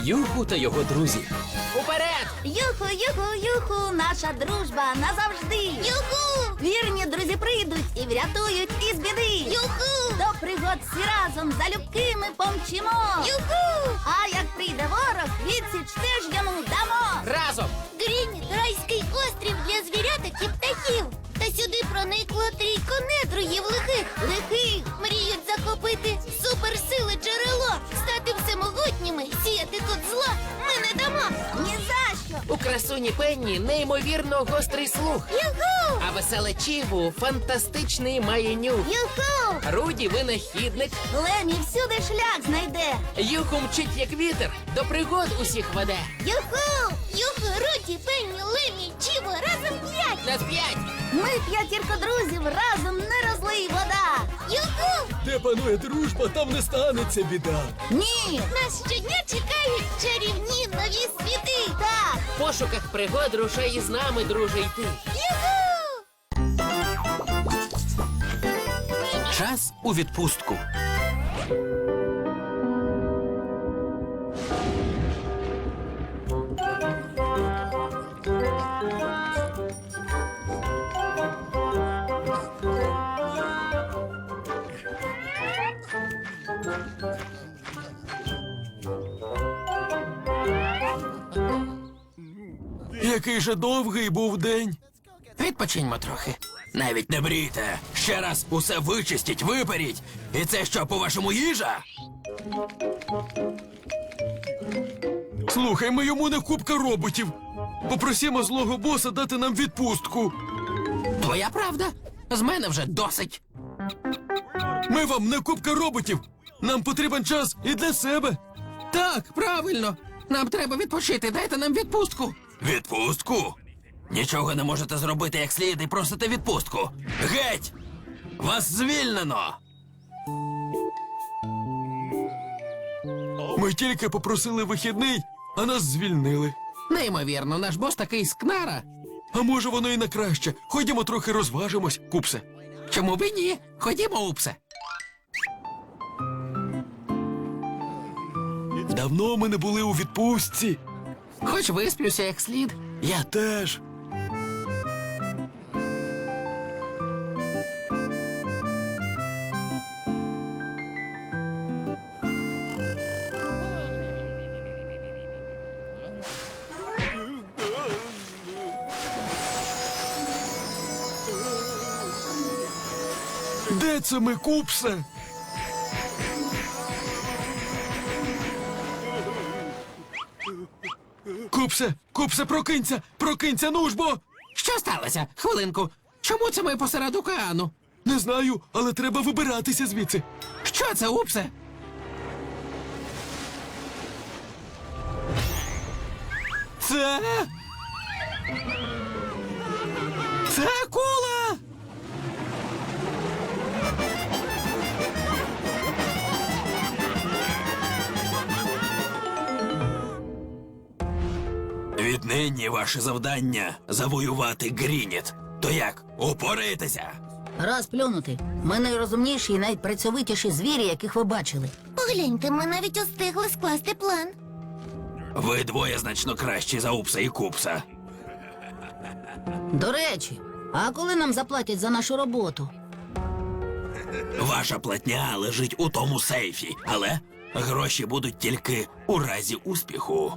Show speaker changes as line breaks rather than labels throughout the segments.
Юху та його друзі.
Уперед!
Юху, юху, юху, наша дружба назавжди. Юху! Вірні друзі прийдуть і врятують із біди. Юху! До пригод всі разом залюбки ми помчимо. Юху! А як прийде ворог, відсіч теж йому дамо.
Разом!
Грінь – райський острів для звіряток і птахів. Та сюди проникло трійко недругів лихих. Мріють захопити суперсили джерело, стати всемогутніми, сіяти тут зло ми не дамо. Ні за що.
У красуні Пенні неймовірно гострий слух.
Юху!
А веселе Чіву фантастичний має нюх.
Юху!
Руді винахідник.
Лемі всюди шлях знайде.
Юху мчить як вітер, до пригод усіх веде.
Юху! Юху, Руді, Пенні, Лемі, Чіво, разом 5.
На 5!
Ми п'ятірка друзів, разом не розлий вода. Юху!
Де панує дружба, там не станеться біда.
Ні! Нас щодня чекають чарівні нові світи. Так!
В пошуках пригод рушай із нами, друже, йти.
Юху!
Час у відпустку. Який же довгий був день.
Відпочиньмо трохи.
Навіть не мрійте. Ще раз усе вичистіть, виперіть. І це що, по-вашому, їжа? Слухай, ми йому не купка роботів. Попросімо злого боса дати нам відпустку.
Твоя правда? З мене вже досить.
Ми вам не купка роботів. Нам потрібен час і для себе.
Так, правильно. Нам треба відпочити, дайте нам відпустку.
Відпустку? Нічого не можете зробити як слід і просите відпустку. Геть! Вас звільнено! Ми тільки попросили вихідний, а нас звільнили.
Неймовірно, наш бос такий скнара.
А може воно і на краще. Ходімо трохи розважимось, купсе.
Чому б і ні? Ходімо, Упсе.
Давно ми не були у відпустці.
Хоч висплюся як слід.
Я теж. Де це ми, купсе? Купсе, прокинься! Прокинься, ну ж бо!
Що сталося? Хвилинку. Чому це ми посеред океану?
Не знаю, але треба вибиратися звідси.
Що це, Упсе?
Це... Це акула! Віднині ваше завдання – завоювати Грініт. То як, упораєтеся?
Раз плюнути. Ми найрозумніші і найпрацьовитіші звірі, яких ви бачили. Погляньте, ми навіть устигли скласти план.
Ви двоє значно кращі за Упса і Купса.
До речі, а коли нам заплатять за нашу роботу?
Ваша платня лежить у тому сейфі, але гроші будуть тільки у разі успіху.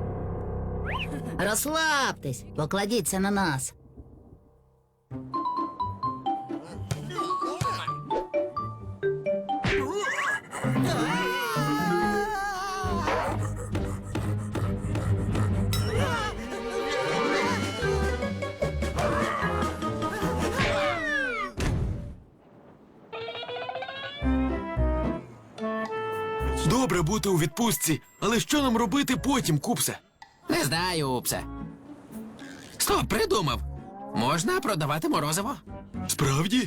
Розслабтесь, покладіться на нас.
Добре бути у відпустці, але що нам робити потім, Купсе?
Не знаю, Упсе. Стоп, придумав. Можна продавати морозиво.
Справді?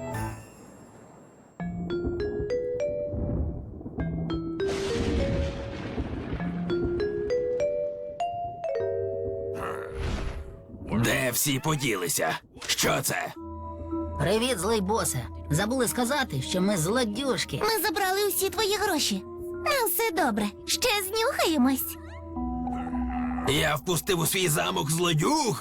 Де всі поділися? Що це?
Привіт, злий босе. Забули сказати, що ми злодюжки.
Ми забрали усі твої гроші. Ну, все добре. Ще знюхаємось.
Я впустив у свій замок злодюг.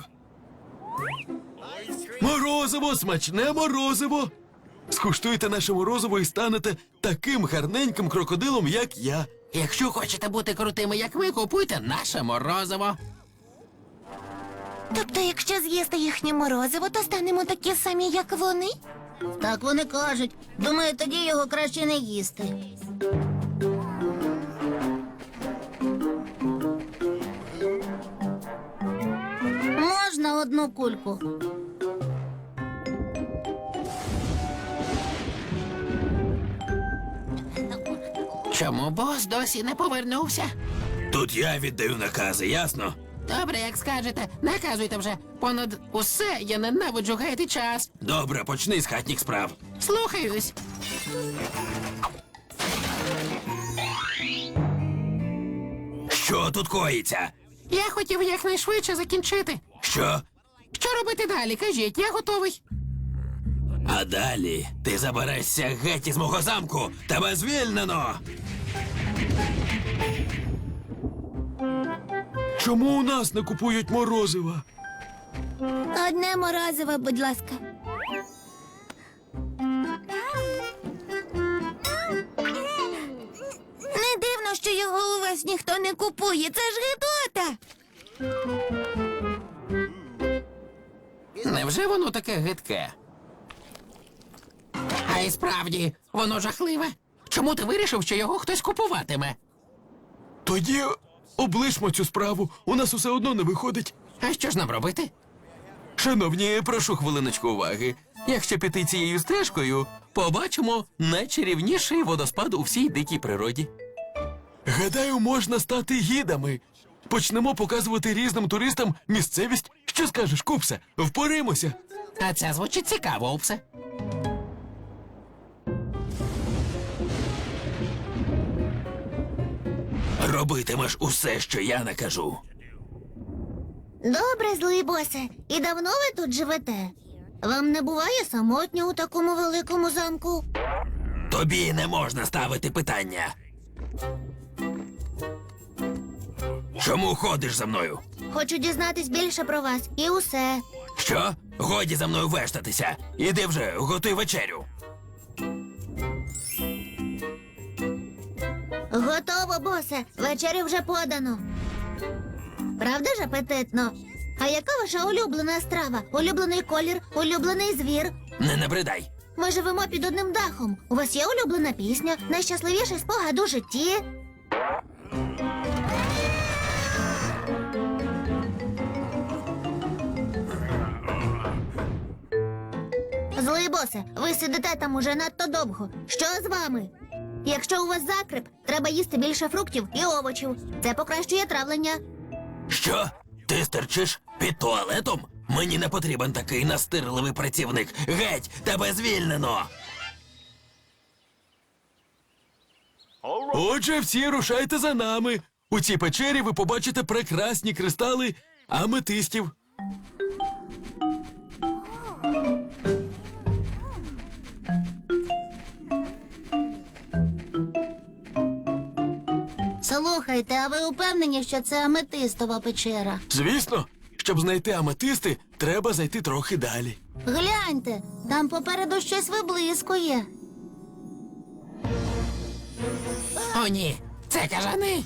Морозиво, смачне морозиво! Скуштуйте наше морозиво і станете таким гарненьким крокодилом, як я.
Якщо хочете бути крутими, як ми, купуйте наше морозиво.
Тобто, якщо з'їсти їхнє морозиво, то станемо такі самі, як вони?
Так вони кажуть. Думаю, тоді його краще не їсти. Можна одну кульку?
Чому бос досі не повернувся?
Тут я віддаю накази, ясно?
Добре, як скажете, наказуйте вже. Понад усе я ненавиджу гаяти час.
Добре, почни з хатніх справ.
Слухаюсь.
Що тут коїться?
Я хотів якнайшвидше закінчити.
Що?
Що робити далі? Кажіть, я готовий.
А далі ти заберешся геть із мого замку. Тебе звільнено.
Чому у нас не купують морозива?
Одне морозиво, будь ласка. Не дивно, що його у вас ніхто не купує. Це ж гидота.
Невже воно таке гидке? А і справді, воно жахливе. Чому ти вирішив, що його хтось купуватиме?
Тоді облишмо цю справу. У нас усе одно не виходить.
А що ж нам робити?
Шановні, прошу хвилиночку уваги. Якщо піти цією стежкою, побачимо найчарівніший водоспад у всій дикій природі. Гадаю, можна стати гідами. Почнемо показувати різним туристам місцевість. Що скажеш, Купсе? Впоримося.
А це звучить цікаво, Упсе.
Робитимеш усе, що я накажу.
Добре, злий босе. І давно ви тут живете? Вам не буває самотньо у такому великому замку?
Тобі не можна ставити питання. Чому ходиш за мною?
Хочу дізнатись більше про вас. І усе.
Що? Годі за мною вештатися. Іди вже, готуй вечерю.
Готово, босе. Вечерю вже подано. Правда ж апетитно? А яка ваша улюблена страва? Улюблений колір, улюблений звір?
Не набридай.
Ми живемо під одним дахом. У вас є улюблена пісня, найщасливіший спогад у житті? Злий босе, ви сидите там уже надто довго. Що з вами? Якщо у вас закрип, треба їсти більше фруктів і овочів. Це покращує травлення.
Що? Ти стерчиш під туалетом? Мені не потрібен такий настирливий працівник. Геть, тебе звільнено.
Отже, всі рушайте за нами. У цій печері ви побачите прекрасні кристали аметистів.
Слухайте, а ви упевнені, що це аметистова печера?
Звісно, щоб знайти аметисти, треба зайти трохи далі.
Гляньте, там попереду щось виблискує.
О, ні, це кажани.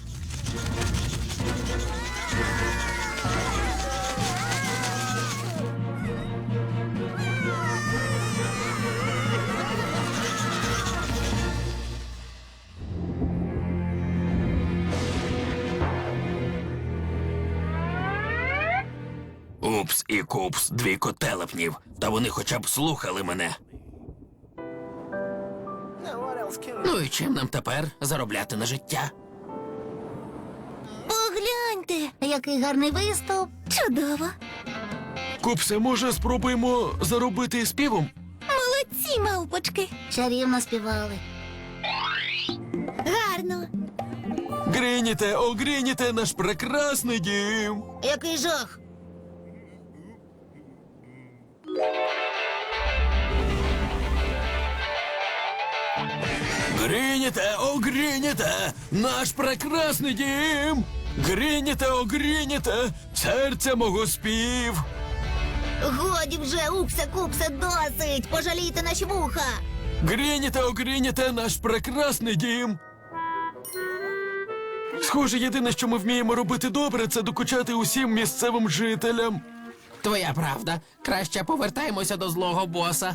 Упс і купс, дві котелепнів. Та вони хоча б слухали мене.
Ну і чим нам тепер заробляти на життя?
Погляньте,
Який гарний виступ.
чудово.
Купсе, може, спробуємо заробити співом?
Молодці, мавпочки.
Чарівно співали.
Гарно.
Гриніте, о, гриніте, наш прекрасний дім.
Який жах.
Гриніте, о, гриніте, наш прекрасний дім. Грініте, огрініте, серця мого спів.
Годі вже, упсе-купсе, досить! Пожалійте наші вуха!
Грініте, огрініте, наш прекрасний дім. Схоже, єдине, що ми вміємо робити добре, це докучати усім місцевим жителям.
Твоя правда. Краще повертаємося до злого боса.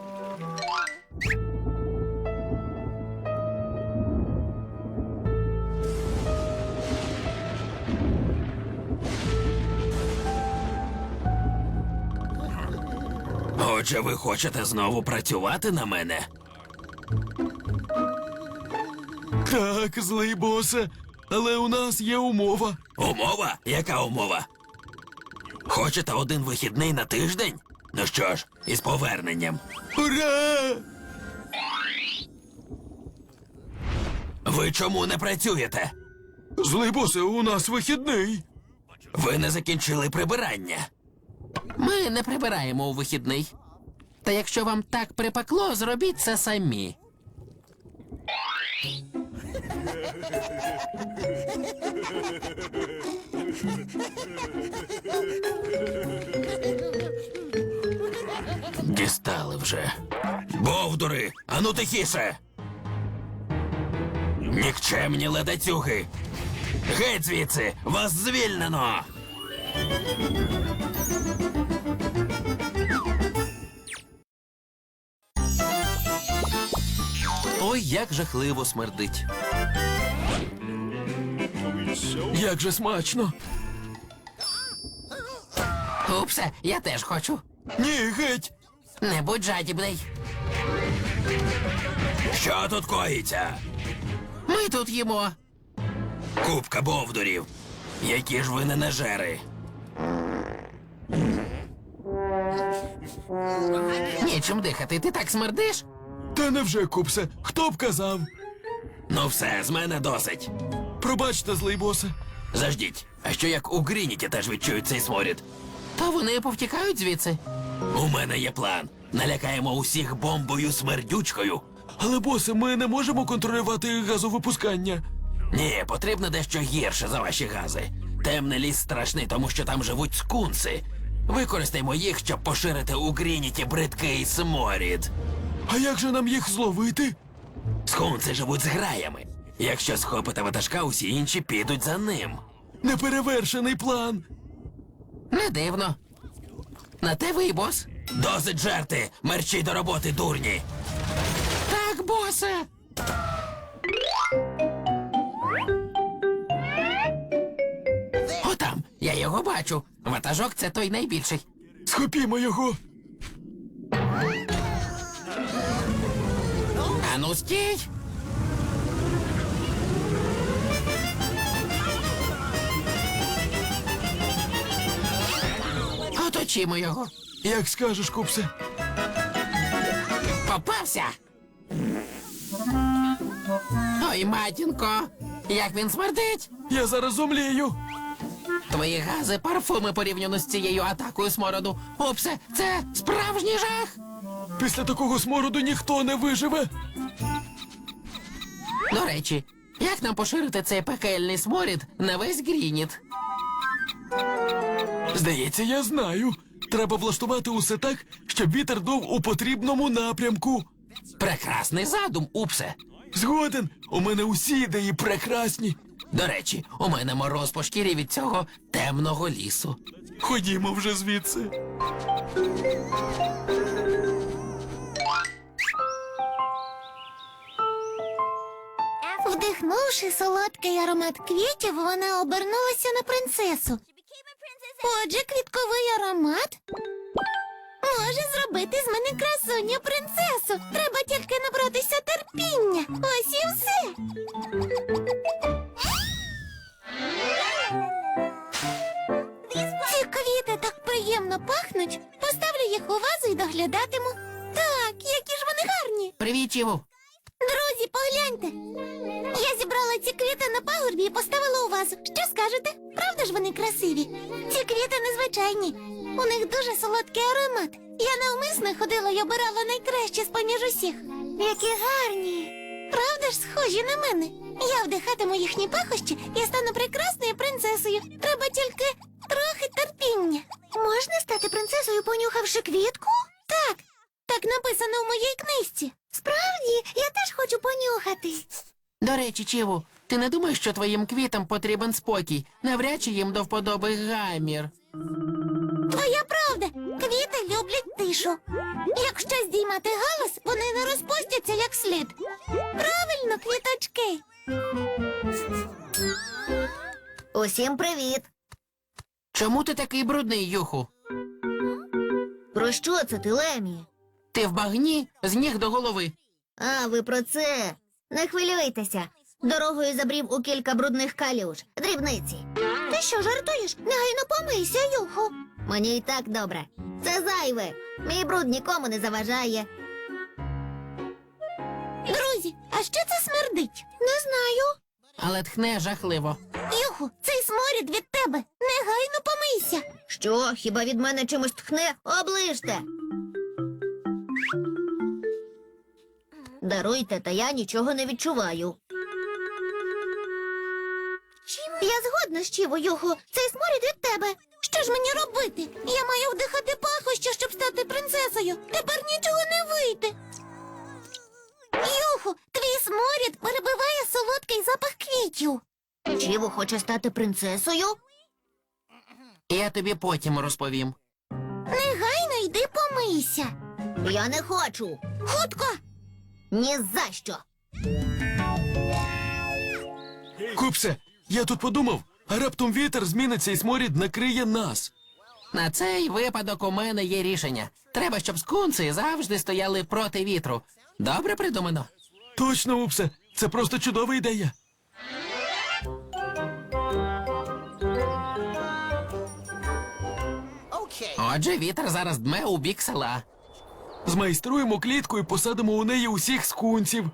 Отже, ви хочете знову працювати на мене?
Так, злий босе, але у нас є умова.
Умова? Яка умова? Хочете один вихідний на тиждень? Ну що ж, із поверненням.
Ура!
Ви чому не працюєте?
Злий босе, у нас вихідний.
Ви не закінчили прибирання.
Ми не прибираємо у вихідний. Та якщо вам так припекло, зробіть це самі.
Дістали вже. Бовдури, ану тихіше! Нікчемні ледацюги! Геть звідси! Вас звільнено!
Ой, як жахливо смердить.
Як же смачно.
Упсе, я теж хочу.
Ні, геть.
Не будь жадібний.
Що тут коїться?
Ми тут їмо.
Купка бовдурів. Які ж ви ненажери.
Нічим дихати, ти так смердиш?
Та невже, купсе, хто б казав?
Ну все, з мене досить.
Пробачте, злий босе.
Заждіть, а що як у Грініті теж відчують цей сморід?
То вони повтікають звідси.
У мене є план. Налякаємо усіх бомбою смердючкою.
Але, босе, ми не можемо контролювати газовипускання.
Ні, потрібно дещо гірше за ваші гази. Темний ліс страшний, тому що там живуть скунси. Використаймо їх, щоб поширити у Грініті бридкий сморід.
А як же нам їх зловити?
Скунси живуть з граями. Якщо схопите ватажка, усі інші підуть за ним.
Неперевершений план.
Не дивно. На те ви й бос.
Досить жерти! Мерчій до роботи, дурні!
Так, босе. Отам, я його бачу. Ватажок це той найбільший.
Схопімо його.
Ану, стій! Оточімо його.
Як скажеш, купсе.
Попався! Ой, матінко, як він смердить!
Я зараз зомлію.
Твої гази, парфуми порівняно з цією атакою смороду. Упсе, це справжній жах!
Після такого смороду ніхто не виживе.
До речі, як нам поширити цей пекельний сморід на весь Грініт?
Здається, я знаю. Треба влаштувати усе так, щоб вітер дув у потрібному напрямку.
Прекрасний задум, Упсе.
Згоден, у мене усі ідеї прекрасні.
До речі, у мене мороз по шкірі від цього темного лісу.
Ходімо вже звідси.
Вдихнувши солодкий аромат квітів, вона обернулася на принцесу. Отже, квітковий аромат може зробити з мене красуню принцесу. Треба тільки набратися терпіння. Ось і все. Ці квіти так приємно пахнуть. Поставлю їх у вазу і доглядатиму. Так, які ж вони гарні.
Привіт, Чіву.
Друзі, погляньте. Я зібрала ці квіти на пагорбі і поставила у вазу. Що скажете? Правда ж вони красиві? Ці квіти незвичайні. У них дуже солодкий аромат. Я навмисно ходила і обирала найкраще з поміж усіх. Які гарні. Правда ж схожі на мене? Я вдихатиму їхні пахощі і стану прекрасною принцесою. Треба тільки трохи терпіння. Можна стати принцесою, понюхавши квітку? Так, так написано в моїй книжці. Справді, я теж хочу понюхати.
До речі, Чіву, ти не думаєш, що твоїм квітам потрібен спокій? Навряд чи їм до вподоби гамір.
Твоя правда, квіти люблять тишу. Якщо здіймати галас, вони не розпустяться як слід. Правильно, квіточки.
Усім привіт!
Чому ти такий брудний, Юху?
Про що це ти, Лемі?
Ти в багні з ніг до голови.
А, ви про це. Не хвилюйтеся. Дорогою забрів у кілька брудних калюж. Дрібниці.
Ти що, жартуєш? Негайно помийся, Юху.
Мені й так добре. Це зайве. Мій бруд нікому не заважає.
Друзі, а що це смердить? Не знаю.
Але тхне жахливо.
Юху, цей сморід від тебе. Негайно помийся.
Що, хіба від мене чимось тхне? Оближте. Даруйте, та я нічого не відчуваю.
Я згодна з Чіво, Юху. Цей сморід від тебе. Що ж мені робити? Я маю вдихати пахощі, щоб стати принцесою. Тепер нічого не вийде. Юху, твій сморід перебиває солодкий запах квітів.
Чіву хоче стати принцесою?
Я тобі потім розповім.
Негайно йди помийся.
Я не хочу.
Хутко.
Ні за що.
Купсе, я тут подумав, а раптом вітер зміниться і сморід накриє нас.
На цей випадок у мене є рішення. Треба, щоб скунси завжди стояли проти вітру. Добре придумано.
Точно, Упсе, це просто чудова ідея.
Отже, вітер зараз дме у бік села.
Змайструємо клітку і посадимо у неї усіх скунців.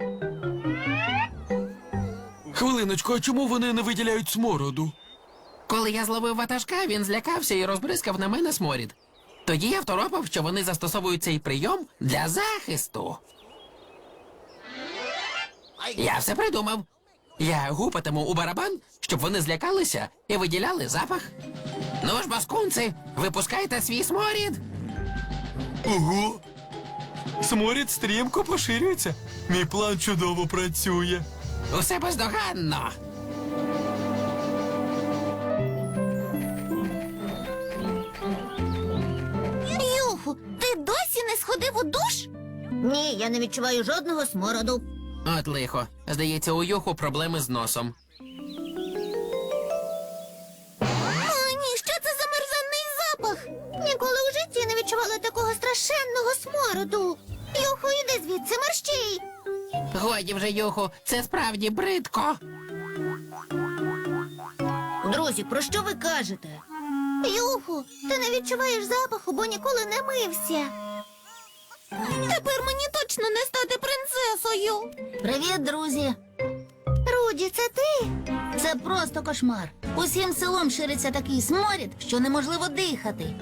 Хвилиночку, а чому вони не виділяють смороду?
Коли я зловив ватажка, він злякався і розбризкав на мене сморід. Тоді я второпав, що вони застосовують цей прийом для захисту. Я все придумав. Я гупатиму у барабан, щоб вони злякалися і виділяли запах. Ну ж, баскунці, випускайте свій сморід.
Ого! Сморід стрімко поширюється. Мій план чудово працює.
Усе бездоганно.
Юху, ти досі не сходив у душ?
Ні, я не відчуваю жодного смороду.
От лихо. Здається, у Юху проблеми з носом.
О, ні, що це за мерзенний запах? Ніколи у житті не відчувала такого страшенного смороду. Юху, іди звідси, мерщій.
Годі вже, Юху, це справді бридко.
Друзі, про що ви кажете?
Юху, ти не відчуваєш запаху, бо ніколи не мився. Тепер мені точно не стати принцесою.
Привіт, друзі.
Руді, це ти?
Це просто кошмар. Усім селом шириться такий сморід, що неможливо дихати.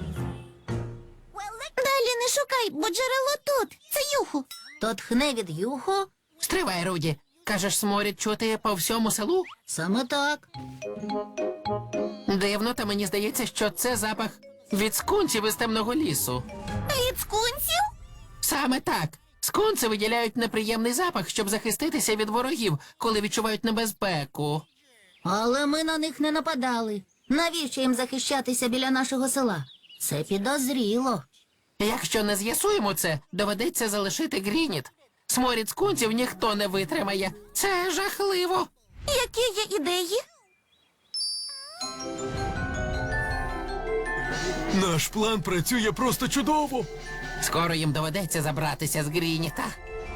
Далі не шукай, бо джерело тут. Це Юху.
То тхне від Юху?
Стривай, Руді. Кажеш, сморід чути по всьому селу?
Саме так.
Дивно, та мені здається, що це запах від скунців із темного лісу.
Від скунсів?
Саме так. Скунси виділяють неприємний запах, щоб захиститися від ворогів, коли відчувають небезпеку.
Але ми на них не нападали. Навіщо їм захищатися біля нашого села? Це підозріло.
Якщо не з'ясуємо це, доведеться залишити Грініт. Сморід скунців ніхто не витримає. Це жахливо.
Які є ідеї?
Наш план працює просто чудово.
Скоро їм доведеться забратися з Грініта.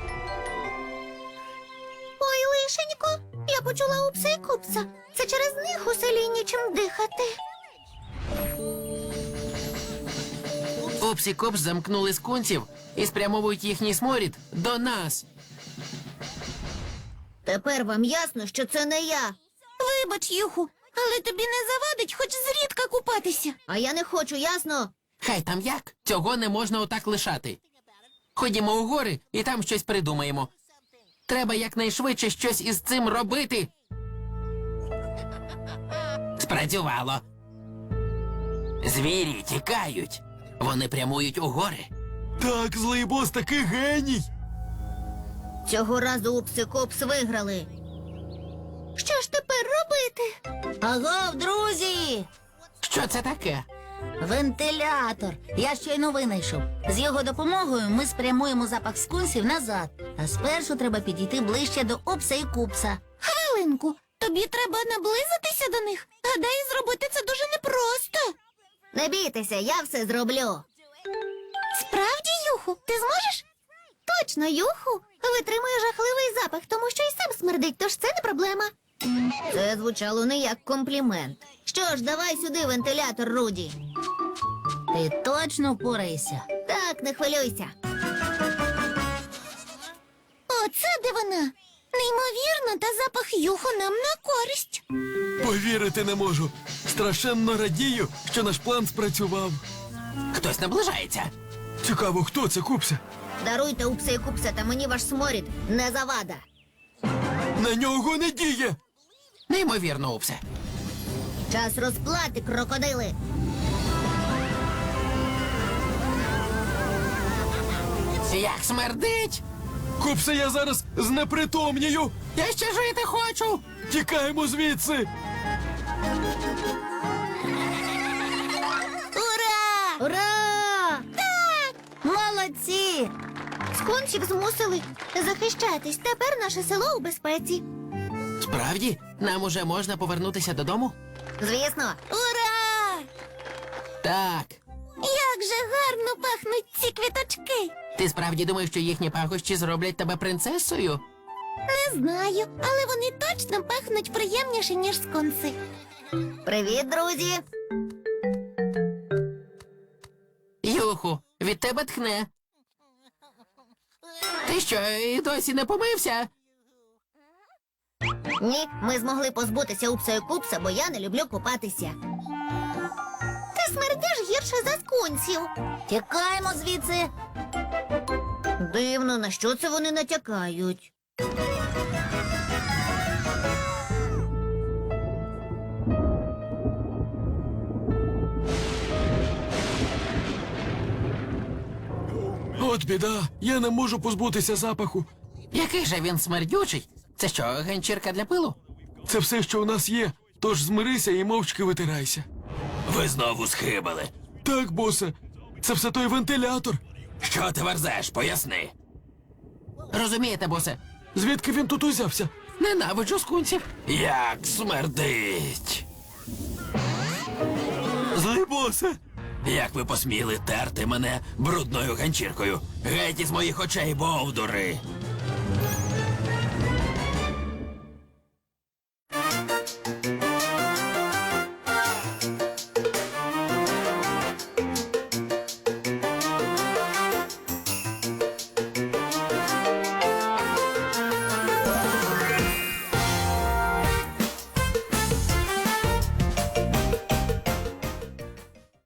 Ой, лишенько, я почула Упса і Купса. Це через них у селі нічим дихати.
Упс і Купс замкнули скунців і спрямовують їхній сморід до нас.
Тепер вам ясно, що це не я.
Вибач, Юху, але тобі не завадить хоч зрідка купатися.
А я не хочу, ясно?
Хай там як, цього не можна отак лишати. Ходімо у гори і там щось придумаємо. Треба якнайшвидше щось із цим робити. Спрацювало. Звірі тікають. Вони прямують у гори.
Так, злий бос такий геній.
Цього разу упси-копс виграли. Що ж тепер робити?
Агов, друзі!
Що це таке?
Вентилятор. Я щойно винайшов. З його допомогою ми спрямуємо запах скунсів назад. А спершу треба підійти ближче до Упса і Купса.
Хвилинку, тобі треба наблизитися до них. Гадаю, зробити це дуже непросто.
Не бійтеся, я все зроблю.
Справді, Юху, ти зможеш? Точно, Юху. Витримує жахливий запах, тому що й сам смердить, тож це не проблема.
Це звучало не як комплімент. Що ж, давай сюди вентилятор, Руді. Ти точно впораєшся?
Так, не хвилюйся. Оце де вона. Неймовірно, та запах Юху нам на користь.
Повірити не можу. Страшенно радію, що наш план спрацював.
Хтось наближається.
Цікаво, хто це, Купсе?
Даруйте, Упса і Купса, та мені ваш сморід не завада.
На нього не діє.
Неймовірно, Упсе.
Час розплати, крокодили.
Як смердить!
Купсе, я зараз знепритомнію.
Я ще жити хочу!
Тікаємо звідси.
Ура!
Ура! Так! Молодці!
Скунсів змусили захищатись. Тепер наше село у безпеці.
Справді, нам уже можна повернутися додому?
Звісно.
Ура!
Так.
Як же гарно пахнуть ці квіточки.
Ти справді думаєш, що їхні пахощі зроблять тебе принцесою?
Не знаю, але вони точно пахнуть приємніше, ніж скунси.
Привіт, друзі!
Юху, від тебе тхне. Ти що, і досі не помився?
Ні, ми змогли позбутися Упса і Купса, бо я не люблю купатися.
Ти смердиш гірше за скунсів.
Тікаємо звідси. Дивно, на що це вони натякають?
От біда, я не можу позбутися запаху.
Який же він смердючий? Це що, ганчірка для пилу?
Це все, що у нас є, тож змирися і мовчки витирайся.
Ви знову схибили.
Так, босе, це все той вентилятор.
Що ти верзеш? Поясни.
Розумієте, босе?
Звідки він тут узявся?
Ненавиджу скунсів.
Як смердить.
Злий босе.
Як ви посміли терти мене брудною ганчіркою? Геть із моїх очей, бовдури!